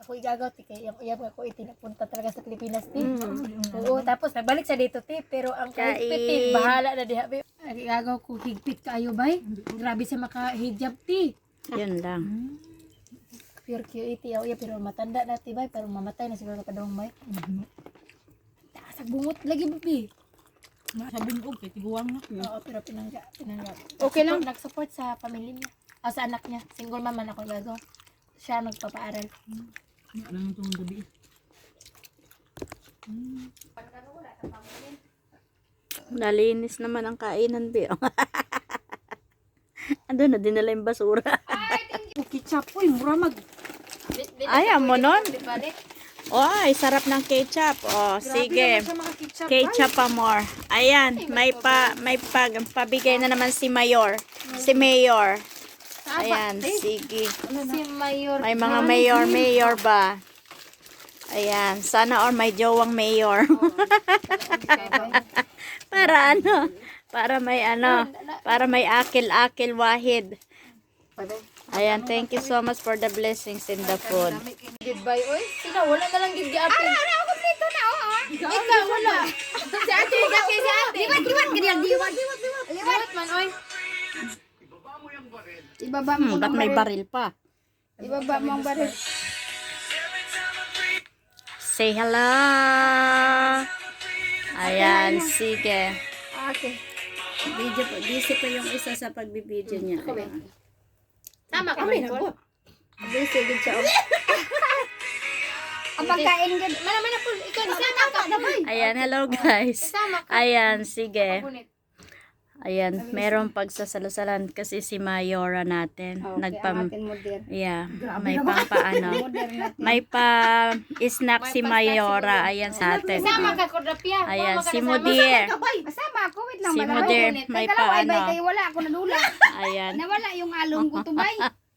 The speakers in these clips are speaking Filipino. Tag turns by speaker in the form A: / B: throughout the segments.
A: Ako igagaw ti kay yung uyab ako itinapunta talaga sa Pilipinas ti. Oo, tapos nagbalik sa dito ti, pero ang kahigpit ti bahala na diha. Igagaw ko higpit kaayo bay. Grabe sa makahijab ti.
B: Yun lang.
A: Pure QAT ya, pero matanda na ti bay, pero mamatay na siguro kadong bay. Taas bungot lagi babi.
C: Sabi mo, okay, tiguang na.
A: Oo, pero pinangga.
B: Okay lang.
A: Nag-support sa pamilya niya. O sa anak niya. Single mom man ako gagaw. Siya nagpapaaral.
C: Ano lang itong gabi.
B: Nalinis naman ang kainan, Bi. Ando na dinala yung basura.
C: Ketchup po, mura mag...
B: Ayaw mo nun? Ay, sarap ng ketchup. Oh, sige. Ketchup pa more. Ayan, may pabigay na naman si Mayor. Si Mayor. Ayan, sige.
A: Si Mayor.
B: May mga mayor ba? Ayan, sana or may jowang mayor. Para ano? Para may akil-akil wahid. Ayan, thank you so much for the blessings in the food.
A: Goodbye, oy. Sina, wala na lang gid giapil. Ano, kompleto na, oo. Ikaw, wala. Si ate, gati si ate. Diwat, ganyan, diwat. Diwat man, oy. Ibaba mo
B: Ba't may baril pa?
A: Ibaba mo ang baril.
B: Say hello. Ayan, sige.
A: Okay.
B: Busy pa yung isa sa pagbibideo niya.
A: Tama ka, Michael. Busy gid siya. Ang pagkain gid. Mana po, ikaw sama ka na bay.
B: Ayan, hello guys.
A: Sama ka.
B: Ayan, sige.
A: Punit.
B: Ayan, merong pagsasalusalan kasi si Mayora natin. Yeah, may pampaano. May pa-snack si Mayora. Ayan sa atin.
A: Sama ka, Kordapia.
B: Ayan, si Mudir.
D: Masama ako, wait lang.
B: Si
D: Bala.
B: Mudir, may paano.
D: Kaya wala ako nadula.
B: Ayan.
D: Nawala yung along ko tubay.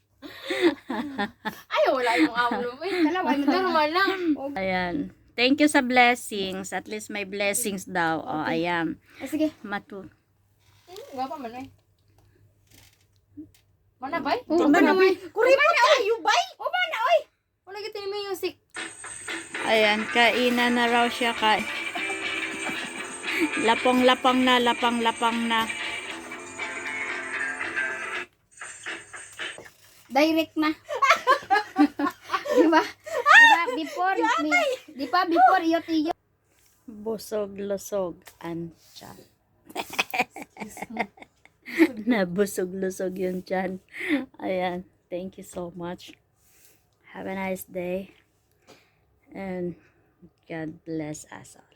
A: Ay, wala yung amo mo.
D: Kalaway mo
A: Normal lang.
B: Ayan. Thank you sa blessings. At least may blessings daw. O, ayan.
D: Sige.
A: Gapa man eh. Mana bay?
D: Mana bay?
A: Kuripot kayo bay? O mana oy? Wala kita yung music.
B: Ayan, kainan na raw siya. Lapang-lapang na.
D: Direct na. Diba? Before iyo.
B: Busog-lusog ang tiyan. Nabusog-lusog yung tiyan. Ayan. Thank you so much. Have a nice day. And God bless us all.